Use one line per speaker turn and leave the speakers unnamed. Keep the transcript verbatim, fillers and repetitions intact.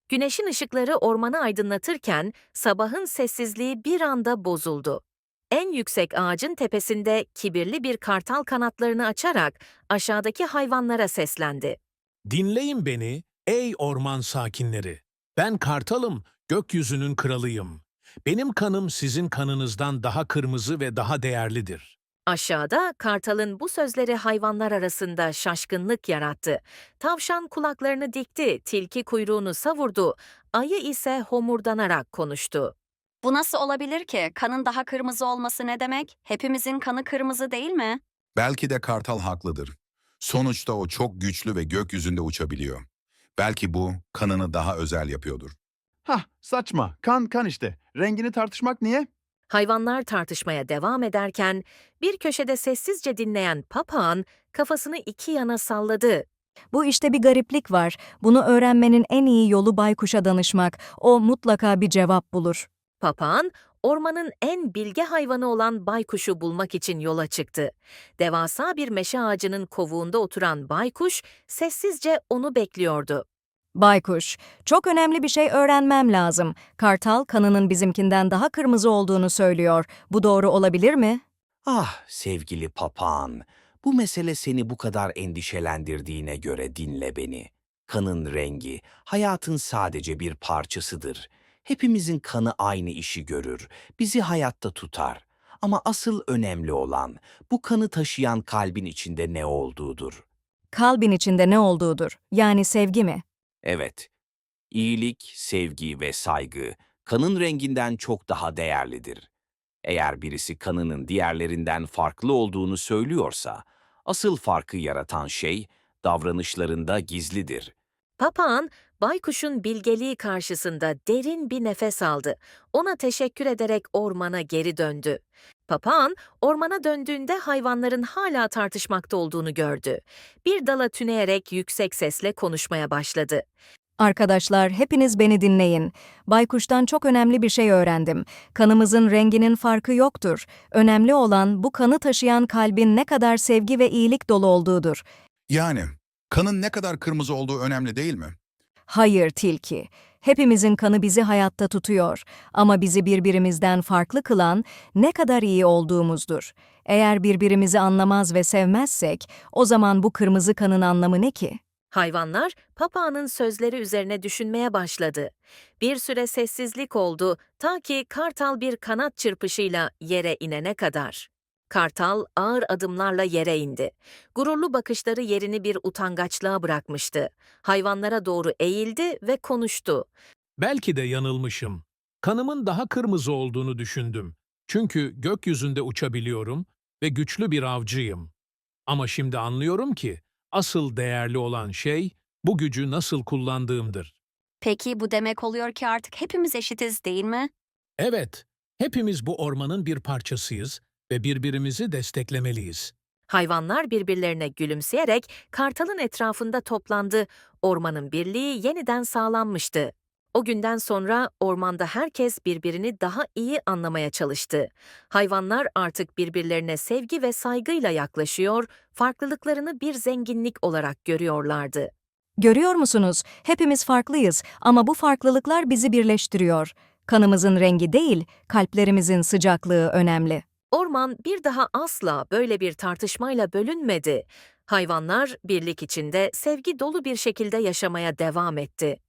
Güneşin ışıkları ormanı aydınlatırken sabahın sessizliği bir anda bozuldu. En yüksek ağacın tepesinde kibirli bir kartal kanatlarını açarak aşağıdaki hayvanlara seslendi.
Dinleyin beni, ey orman sakinleri. Ben kartalım, gökyüzünün kralıyım. Benim kanım sizin kanınızdan daha kırmızı ve daha değerlidir.
Aşağıda kartalın bu sözleri hayvanlar arasında şaşkınlık yarattı. Tavşan kulaklarını dikti, tilki kuyruğunu savurdu, ayı ise homurdanarak konuştu.
Bu nasıl olabilir ki? Kanın daha kırmızı olması ne demek? Hepimizin kanı kırmızı değil mi?
Belki de kartal haklıdır. Sonuçta o çok güçlü ve gökyüzünde uçabiliyor. Belki bu kanını daha özel yapıyordur.
Hah, saçma. Kan kan işte. Rengini tartışmak niye?
Hayvanlar tartışmaya devam ederken bir köşede sessizce dinleyen papağan kafasını iki yana salladı.
Bu işte bir gariplik var. Bunu öğrenmenin en iyi yolu baykuşa danışmak. O mutlaka bir cevap bulur.
Papağan, ormanın en bilge hayvanı olan baykuşu bulmak için yola çıktı. Devasa bir meşe ağacının kovuğunda oturan baykuş sessizce onu bekliyordu.
Baykuş, çok önemli bir şey öğrenmem lazım. Kartal kanının bizimkinden daha kırmızı olduğunu söylüyor. Bu doğru olabilir mi?
Ah sevgili papağan, bu mesele seni bu kadar endişelendirdiğine göre dinle beni. Kanın rengi, hayatın sadece bir parçasıdır. Hepimizin kanı aynı işi görür, bizi hayatta tutar. Ama asıl önemli olan, bu kanı taşıyan kalbin içinde ne olduğudur.
Kalbin içinde ne olduğudur. Yani sevgi mi?
Evet, iyilik, sevgi ve saygı, kanın renginden çok daha değerlidir. Eğer birisi kanının diğerlerinden farklı olduğunu söylüyorsa, asıl farkı yaratan şey davranışlarında gizlidir.
Papağan, baykuşun bilgeliği karşısında derin bir nefes aldı. Ona teşekkür ederek ormana geri döndü. Papağan, ormana döndüğünde hayvanların hala tartışmakta olduğunu gördü. Bir dala tüneyerek yüksek sesle konuşmaya başladı.
Arkadaşlar, hepiniz beni dinleyin. Baykuştan çok önemli bir şey öğrendim. Kanımızın renginin farkı yoktur. Önemli olan bu kanı taşıyan kalbin ne kadar sevgi ve iyilik dolu olduğudur.
Yani kanın ne kadar kırmızı olduğu önemli değil mi?
Hayır tilki. Hepimizin kanı bizi hayatta tutuyor. Ama bizi birbirimizden farklı kılan ne kadar iyi olduğumuzdur. Eğer birbirimizi anlamaz ve sevmezsek, o zaman bu kırmızı kanın anlamı ne ki?
Hayvanlar papağanın sözleri üzerine düşünmeye başladı. Bir süre sessizlik oldu ta ki kartal bir kanat çırpışıyla yere inene kadar. Kartal ağır adımlarla yere indi. Gururlu bakışları yerini bir utangaçlığa bırakmıştı. Hayvanlara doğru eğildi ve konuştu.
Belki de yanılmışım. Kanımın daha kırmızı olduğunu düşündüm. Çünkü gökyüzünde uçabiliyorum ve güçlü bir avcıyım. Ama şimdi anlıyorum ki asıl değerli olan şey bu gücü nasıl kullandığımdır.
Peki bu demek oluyor ki artık hepimiz eşitiz değil mi?
Evet, hepimiz bu ormanın bir parçasıyız ve birbirimizi desteklemeliyiz.
Hayvanlar birbirlerine gülümseyerek kartalın etrafında toplandı. Ormanın birliği yeniden sağlanmıştı. O günden sonra ormanda herkes birbirini daha iyi anlamaya çalıştı. Hayvanlar artık birbirlerine sevgi ve saygıyla yaklaşıyor, farklılıklarını bir zenginlik olarak görüyorlardı.
Görüyor musunuz? Hepimiz farklıyız ama bu farklılıklar bizi birleştiriyor. Kanımızın rengi değil, kalplerimizin sıcaklığı önemli.
Orman bir daha asla böyle bir tartışmayla bölünmedi. Hayvanlar birlik içinde sevgi dolu bir şekilde yaşamaya devam etti.